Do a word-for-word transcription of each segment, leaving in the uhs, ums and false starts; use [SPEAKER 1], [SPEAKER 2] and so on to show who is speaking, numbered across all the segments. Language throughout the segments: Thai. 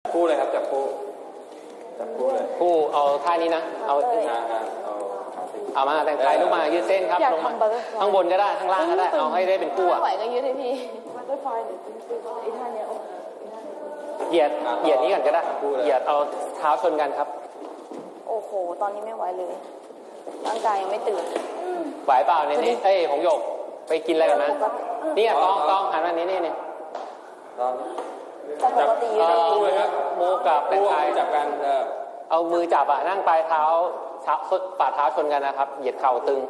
[SPEAKER 1] คู่เลยครับจับคู่จับคู่เลย
[SPEAKER 2] คู่เอาท่านี้นะเอาเอามาแต่งไทยลูกมายืดเส้นครับลงมาข้างบนก็ได้ข้างล่างก็ได้เอาให้ได้เป็นคู่อ่ะ
[SPEAKER 3] ไหวก็ยืดให้พี่ก็ไฟไอ้ท่านี้
[SPEAKER 2] เหยียดเหยียดนี้ก่อนก็ได้เหยียดเอาเท้าชนกันครับ
[SPEAKER 3] โอ้โหตอนนี้ไม่ไหวเลยร่างกายยังไม่ตื่น
[SPEAKER 2] ไหวเปล่าเนี่ยนี่เอ้ยหงหยกไปกินอะไรกันนะนี่อ่ะต้องต้องหันมานี้นี่นี่
[SPEAKER 3] จับ
[SPEAKER 2] คู่เลยครับโมกับแต่งไทย
[SPEAKER 1] จับกัน
[SPEAKER 2] เอามือจับอ่ะนั่งปลายเท้าฝ่าเท้าชนกันนะครับเหยียดเข่าตึง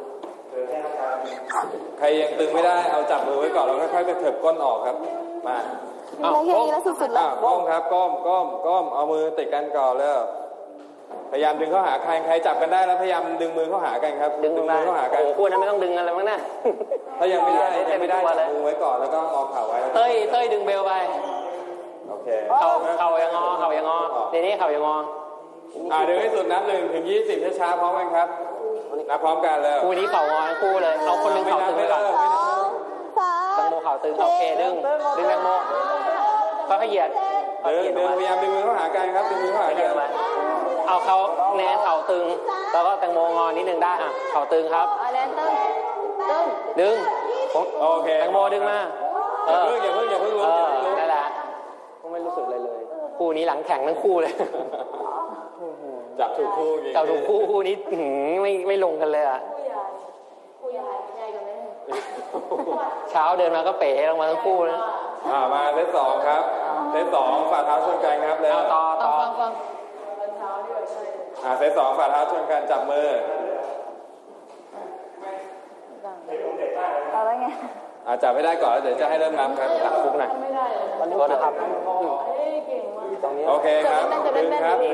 [SPEAKER 1] ใครยังตึงไม่ได้เอาจับมือไว้ก่อนแล้วค่อยๆไปเถิบก้นออกครับมา
[SPEAKER 3] เอาแค่นี้แล้วสุดๆแล้ว
[SPEAKER 1] ก้มครับก้มก้มก้มเอามือติดกันก่อนแล้วพยายามดึงเข้าหาใครใครจับกันได้แล้วพยายามดึงมือเข้าหากันครับ
[SPEAKER 2] ดึงมือเข้าหากันโอ้คู่นั้นไม่ต้องดึงอะไรมั้งนะ
[SPEAKER 1] ถ้ายังไม่ได้ยังไม่ได้จับมือไว้ก่อนแล้วก็งอเข่าไว้
[SPEAKER 2] เต้ยเต้ยดึงเบลไป
[SPEAKER 1] โอเค
[SPEAKER 2] เข่าเข่ายังงอเข่ายังงอเดี๋ยวนี้เข่ายังงอ
[SPEAKER 1] อ่าดึงให้สุดนับหนึ่งถึงยี่สิบช้าๆพร้อมกันครับนับพร้อมกันเลย
[SPEAKER 2] คู่นี้เข่างอคู่เลยเอาคนนึงเข่าตึงไปก่อนตังโมเข่าตึงโอเคดึงดึงตังโมก็ขยี้
[SPEAKER 1] ดึงดึงพยายามดึงมือเข้าหากันครับดึงมือเข้าหากัน
[SPEAKER 2] เอาเขาแนนเข่าตึงแล้วก็แตงโมงอนิดนึงได้อ่ะเข่าตึงครับ
[SPEAKER 3] แนนตึงตึง
[SPEAKER 2] ดึง
[SPEAKER 1] โอเค
[SPEAKER 2] แตงโมดึงมา
[SPEAKER 1] เอออย่าเพิ่งอย่าเพิ่งอย่าเพิ่ง
[SPEAKER 2] ลุกนั่นแหละก็ไม่รู้สึกอะไรเลยคู่นี้หลังแข็งทั้งคู่เลย
[SPEAKER 1] จับถูกคู่
[SPEAKER 2] จับถูกคู่คู่นี้ไม่ไม่ลงกันเลยอ่ะเช้าเดินมาก็เป๋ลงมาทั้งคู่เลย
[SPEAKER 1] อ่ามาเซตสองครับเซตสองฝ่าเท้าชนกันครับแล้ว
[SPEAKER 2] ต่อต่อ
[SPEAKER 1] อ่าเซตสองฝ่าเท้าชนกันจับมือ
[SPEAKER 3] เอาแล้วไง
[SPEAKER 1] อ่าจับให้ได้ก่อนแล้วเดี๋ยวจะให้เริ่มนับครับ
[SPEAKER 2] ตักฟุกหน่อย
[SPEAKER 3] ไม่ได้
[SPEAKER 2] วันนี้นะครับ
[SPEAKER 1] โอเคครับดึงครับ